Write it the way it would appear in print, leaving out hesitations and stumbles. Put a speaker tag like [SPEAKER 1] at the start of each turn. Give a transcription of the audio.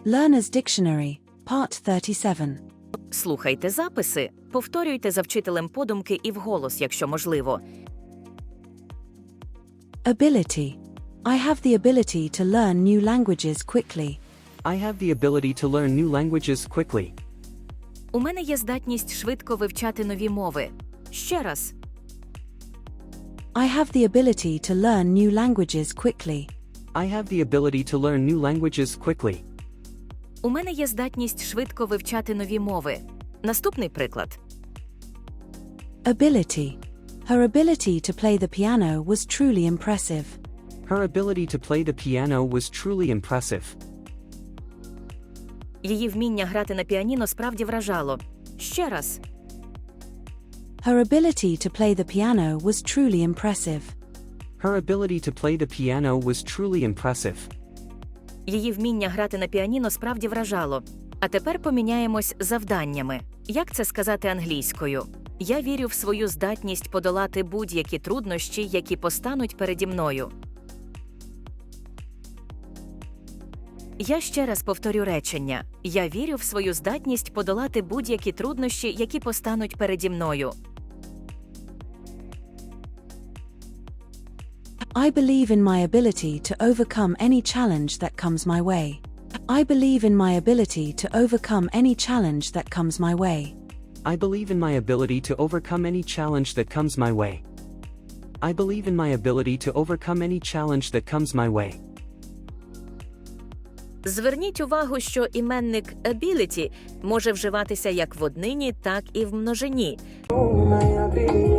[SPEAKER 1] Learner's Dictionary, Part 37.
[SPEAKER 2] Слухайте записи, повторюйте за вчителем подумки і вголос, якщо можливо.
[SPEAKER 1] Ability. I have the ability to learn new languages quickly.
[SPEAKER 3] I have the ability to learn new languages quickly.
[SPEAKER 2] У мене є здатність швидко вивчати нові мови. Ще раз.
[SPEAKER 1] I have the ability to learn new languages quickly.
[SPEAKER 3] I have the ability to learn new languages quickly.
[SPEAKER 2] У мене є здатність швидко вивчати нові мови. Наступний приклад.
[SPEAKER 1] Ability. Her ability to play the piano was truly impressive.
[SPEAKER 3] Her ability to play the piano was truly impressive.
[SPEAKER 2] Її вміння грати на піаніно справді вражало. Ще раз.
[SPEAKER 1] Her ability to play the piano was truly impressive.
[SPEAKER 3] Her ability to play the piano was truly impressive.
[SPEAKER 2] Її вміння грати на піаніно справді вражало. А тепер поміняємось завданнями. Як це сказати англійською? Я вірю в свою здатність подолати будь-які труднощі, які постануть переді мною. Я ще раз повторю речення. Я вірю в свою здатність подолати будь-які труднощі, які постануть переді мною.
[SPEAKER 1] I believe in my ability to overcome any challenge that comes my way. I believe in my ability to overcome any challenge that comes my way.
[SPEAKER 3] I believe in my ability to overcome any challenge that comes my way. I believe in my ability to overcome any challenge that comes my way.
[SPEAKER 2] Зверніть увагу, що іменник ability може вживатися як в однині, так і в множині.